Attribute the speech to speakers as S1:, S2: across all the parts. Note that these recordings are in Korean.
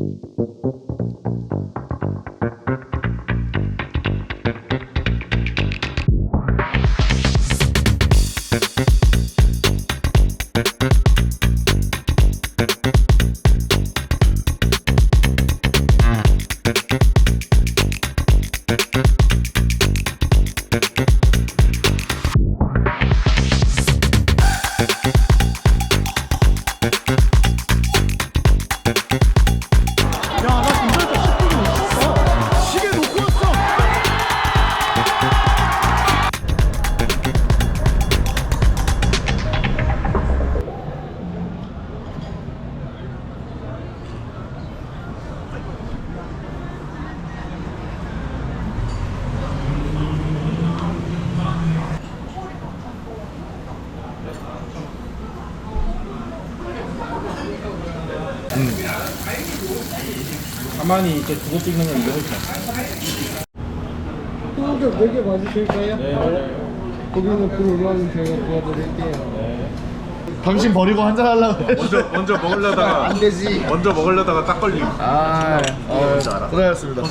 S1: 가만히 이렇게 두고 찍는 건 이거 훨씬
S2: 소고기 4개 맞으실까요?
S1: 네, 맞아요.
S2: 거기는 불 올라오면 제가 도와드릴게요.
S1: 네.
S3: 당신 버리고 한잔 하려고 해.
S4: 먼저 먹으려다가
S2: 안 되지.
S4: 먼저 먹으려다가 딱 걸림.
S3: 고생하셨습니다.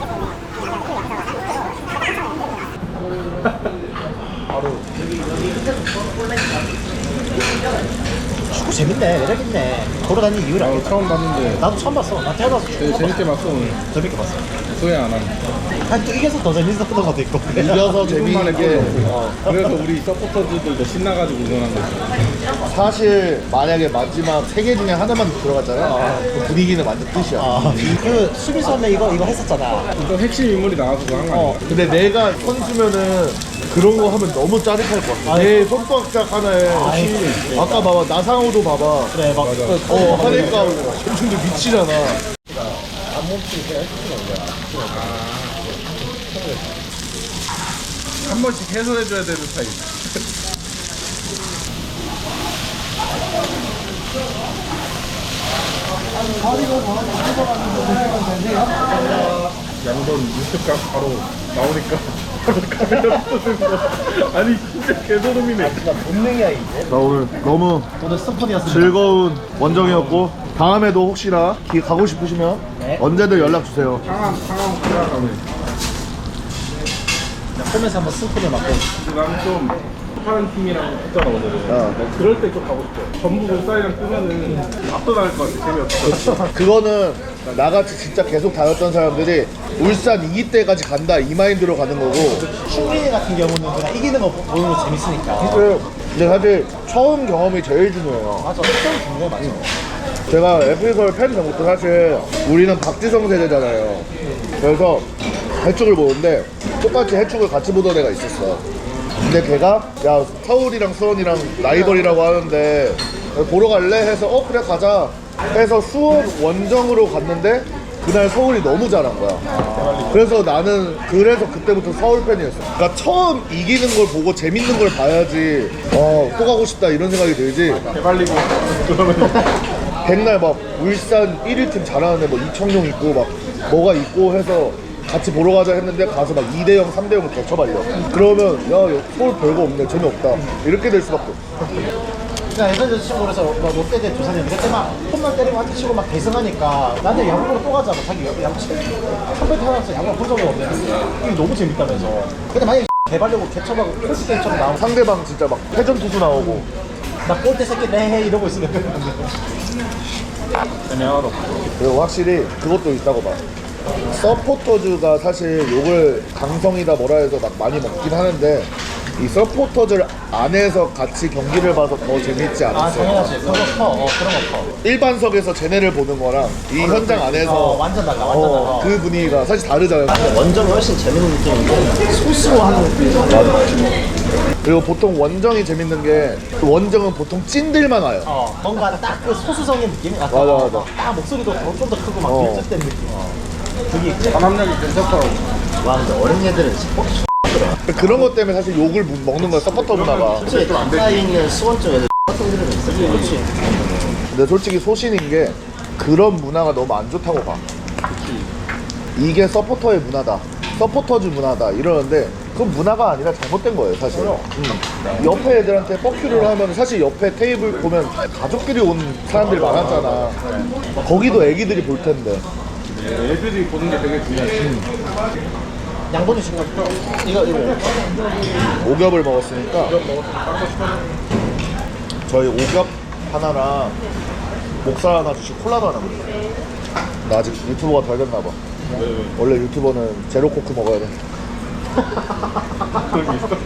S5: 축구 재밌네, 매력있네. 걸어다니는 이유를 알겠다.
S1: 처음 봤는데
S5: 나도 처음 봤어. 나 태어나서 축구
S1: 되게 재밌게 봤어 오늘.
S5: 재밌게 봤어.
S1: 소외 안 하네.
S5: 한또 이겨서 더 재밌었던 것도 있고.
S3: 이겨서 재미있는 게
S1: 그래서 우리 서포터즈들도 신나가지고 응원한 거지.
S3: 사실 만약에 마지막 3개 중에 하나만 들어갔잖아. 그 분위기는 완전 끝이야.
S5: 그 수비수 한명 이거 했었잖아.
S1: 또 핵심 인물이 나와서 그거 한거 아니야?
S3: 근데 내가 선수면은 그런 거 하면 너무 짜릿할 것 같아. 내 손바닥 하나에 아까 봐봐 나상호도 봐봐.
S5: 그래, 막.
S3: 하니까 엄청 미치잖아.
S4: 한 번씩 해소해줘야 되는 스타일. 양돈 유튜브가 바로 나오니까 바로 카메라 쏘는 거. 아니 진짜 개소름이네.
S5: 본능이야, 이제.
S3: 나 오늘 너무
S5: 오늘 스폰이었습니다.
S3: 즐거운 원정이었고 다음에도 혹시나 가고 싶으시면
S5: 네.
S3: 언제든 연락 주세요.
S4: 상암 가면.
S5: 보면서 한번 스폰을 맞고.
S4: 나는 좀 파는 팀이랑 했잖아 오늘은. 그럴 때 좀 가고 싶어. 전북 울산이랑 뜨면은 압도당할 것 같아. 재미없어.
S3: 그거는 나같이 진짜 계속 다녔던 사람들이 울산 2기 때까지 간다 이 마인드로 가는 거고.
S5: 충민이 같은 경우는 그냥 이기는 거 보는 거 재밌으니까.
S3: 근데 사실 처음 경험이 제일 중요해요.
S5: 맞아, 처음 중요해, 맞아.
S3: 제가 FA서울 팬 전부터 사실 우리는 박지성 세대잖아요. 그래서 해축을 보는데 똑같이 해축을 같이 보던 애가 있었어. 근데 걔가 야 서울이랑 수원이랑 라이벌이라고 하는데 보러 갈래? 해서 그래 가자 해서 수원 원정으로 갔는데 그날 서울이 너무 잘한 거야. 그래서 나는 그때부터 서울 팬이었어. 그러니까 처음 이기는 걸 보고 재밌는 걸 봐야지 또 가고 싶다 이런 생각이 들지.
S4: 개발리고 그러면
S3: 백날 막 울산 1위 팀 잘하는데 뭐 이청용 있고 막 뭐가 있고 해서 같이 보러 가자 했는데 가서 막 2대0, 3대0을 거쳐발려. 그러면 야 서울 별거 없네 재미없다 이렇게 될 수밖에 없어.
S5: 그냥 예전에 친구에서 뭐 롯데 대 두산이었는데 그때 막 홈런 때리고 한대 치고 막 대승하니까 나한테 야구보러 또 가자고 자기 야구 한번 태어나서 야구 본 적이 없는데 이게 너무 재밌다면서. 근데 만약에 개발려고 개처하고 폴스테이처럼 나오고
S3: 상대방 진짜 막 회전 투수 나오고
S5: 나 꼴대 새끼 내 이러고 있으면
S3: 그리고 확실히 그것도 있다고 봐. 서포터즈가 사실 욕을 강성이다 뭐라 해서 막 많이 먹긴 하는데 이 서포터즈 안에서 같이 경기를 봐서 더 재밌지
S5: 아
S3: 않았어요?
S5: 당연하지. 그런 거 커. 그런 거 커.
S3: 일반석에서 쟤네를 보는 거랑 이 현장 안에서
S5: 완전 달라. 완전 달라.
S3: 그 분위기가 사실 다르잖아요.
S5: 원정이 훨씬 재밌는 느낌인데 소스로 하는 느낌.
S3: 그리고 보통 원정이 재밌는 게 그 원정은 보통 찐들만 와요.
S5: 뭔가 딱 그 소수성의 느낌?
S3: 맞아, 맞아.
S5: 딱 목소리도 좀 더 크고 막 밀접된 느낌. 그게 있지.
S4: 단합력이 괜찮더라고.
S5: 와 근데 어린 애들은 스포츠
S3: 그런 것 때문에 사실 욕을 먹는 거야 서포터 문화가.
S5: 솔직히 가까이 있는 수원 쪽 애들 같은 애들은 있어. 그렇지.
S3: 근데 솔직히 소신인 게 그런 문화가 너무 안 좋다고 봐. 이게 서포터의 문화다, 서포터즈 문화다 이러는데 그건 문화가 아니라 잘못된 거예요 사실. 옆에 애들한테 뻑큐를 하면 사실 옆에 테이블 보면 가족끼리 온 사람들이 많았잖아. 거기도 애기들이 볼 텐데.
S4: 애들이 보는 게 되게 중요해.
S5: 양분이 지금 이거
S3: 오겹을 먹었으니까 저희 오겹 하나랑 목살 하나 주시고 콜라도 하나 먹어요. 나 아직 유튜버가 덜 됐나 봐. 원래 유튜버는 제로 코크 먹어야 돼.
S4: 그런 게 있어?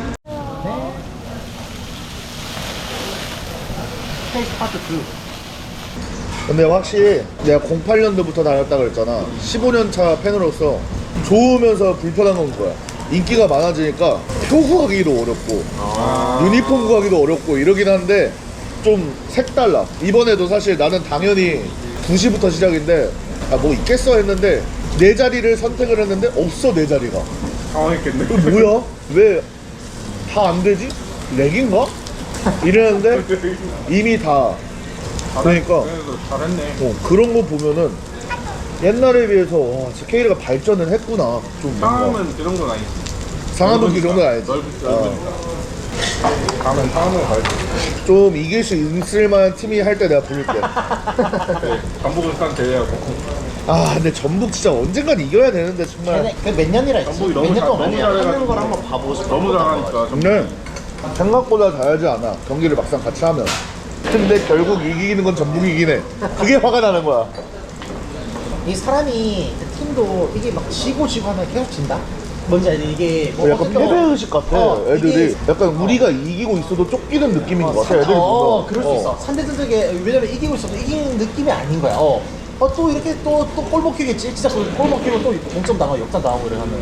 S5: 페이스 파트 2.
S3: 근데 확실히 내가 08년도부터 다녔다 그랬잖아. 15년 차 팬으로서 좋으면서 불편한 건 거야. 인기가 많아지니까 표 구하기도 어렵고 유니폼 구하기도 어렵고 이러긴 한데 좀 색달라. 이번에도 사실 나는 당연히 2시부터 시작인데 뭐 있겠어 했는데 내 자리를 선택을 했는데 없어 내 자리가.
S4: 당황했겠네.
S3: 이거 뭐야? 왜 다 안 되지? 렉인가? 이러는데 이미 다 그러니까
S4: 그래도 잘했네.
S3: 그런 거 보면은 옛날에 비해서 와, 진짜 K리그가 발전을 했구나. 좀 뭔가.
S4: 상암은 그 정도는 아니지.
S3: 상암은 그 정도는 아니지.
S4: 넓으니까. 다음엔 상암으로 가야지.
S3: 좀 이길 수 있을 만한 팀이 할 때 내가 부를게.
S4: 전북을산 대회하고.
S3: 아 근데 전북 진짜 언젠간 이겨야 되는데 정말.
S5: 몇 년이라 했지?
S4: 전북이 너무
S5: 몇년
S4: 잘-
S5: 동안
S4: 너무
S5: 하는
S4: 잘해가지고.
S5: 걸 한번 봐보고 싶어.
S4: 너무 잘하니까.
S3: 근데 생각보다 잘하지 않아. 경기를 막상 같이 하면. 근데 결국 이기는 건 전북이 이기네. 그게 화가 나는 거야.
S5: 이 사람이 그 팀도 이게 막 지고 하면 계속 진다? 뭔지 알지? 이게 뭐
S3: 약간
S5: 어쨌든
S3: 패배의식 같아. 애들이
S5: 이게
S3: 약간 우리가 이기고 있어도 쫓기는 느낌인 것 같아. 애들이 보면.
S5: 그럴 수 있어. 상대들에게 왜냐면 이기고 있어도 이기는 느낌이 아닌 거야. 또 이렇게 또골 먹히겠지. 진짜 골 먹히면 또 동점 당하고 역전 당하고 이러면.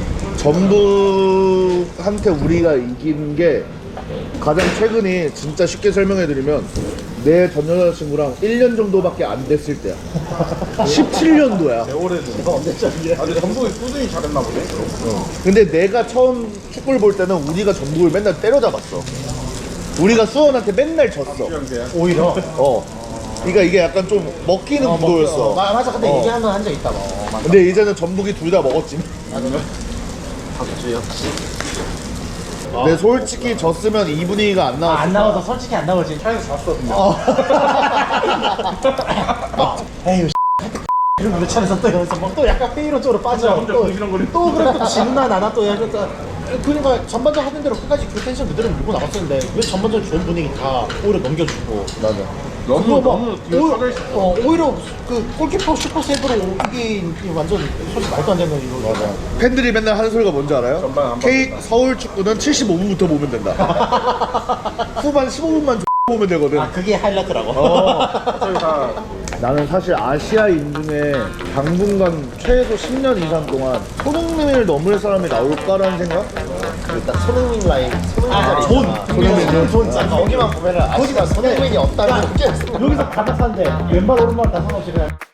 S3: 전북한테 우리가 이긴 게 가장 최근이 진짜 쉽게 설명해드리면 내 전 여자친구랑 1년 정도밖에 안 됐을 때야. 17년도야.
S4: 오래된.
S5: 이거 언제죠 이게?
S4: 아, 근데 전북이 꾸준히 잘했나 보네.
S3: 근데 내가 처음 축구를 볼 때는 우리가 전북을 맨날 때려잡았어. 우리가 수원한테 맨날 졌어.
S4: 수영대야.
S5: 오히려.
S3: 그러니까 이게 약간 좀 먹히는 구도였어.
S5: 맞아. 근데
S3: 어.
S5: 얘기하면 한 적 있다. 맞아.
S3: 근데 이제는 전북이 둘 다 먹었지.
S5: 박주 역시.
S3: 근데 솔직히 졌으면 이 분위기가 안 나왔어.
S5: 안 나와서 솔직히 안 나오지.
S4: 차에서 잤어.
S5: 에휴 이런 몇 차례서 또 여기서 또 약간 페이로 쪽으로 빠져.
S4: 혼자 궁시렁거리고.
S5: 또 그래 또 지나 나나 또 약간 그러니까 전반전 하던 대로 끝까지 그 텐션 그대로 밀고 나갔었는데 왜 전반전 좋은 분위기 다 오히려 넘겨주고.
S3: 맞아.
S4: 너무 뒤에 쳐져 있어.
S5: 오히려 그 골키퍼 슈퍼 세이브로 이게 완전 솔직히 말도 안 되는 이거.
S3: 맞아. 팬들이 맨날 하는 소리가 뭔지 알아요?
S4: 전반 안
S3: K 서울 축구는 75분부터 보면 된다. 후반 15분만 보면 되거든.
S5: 아 그게 하이라이트라고.
S4: 저희 다
S3: 나는 사실 아시아인 중에 당분간 최소 10년 이상 동안 손흥민을 넘을 사람이 나올까라는 생각?
S5: 일단 손흥민 라인 손흥민
S3: 손흥민
S5: 존 거기만 보면은 거기만 손흥민이 없다면 여기서 가닥산데 왼발 오른발 다 상관없이 그냥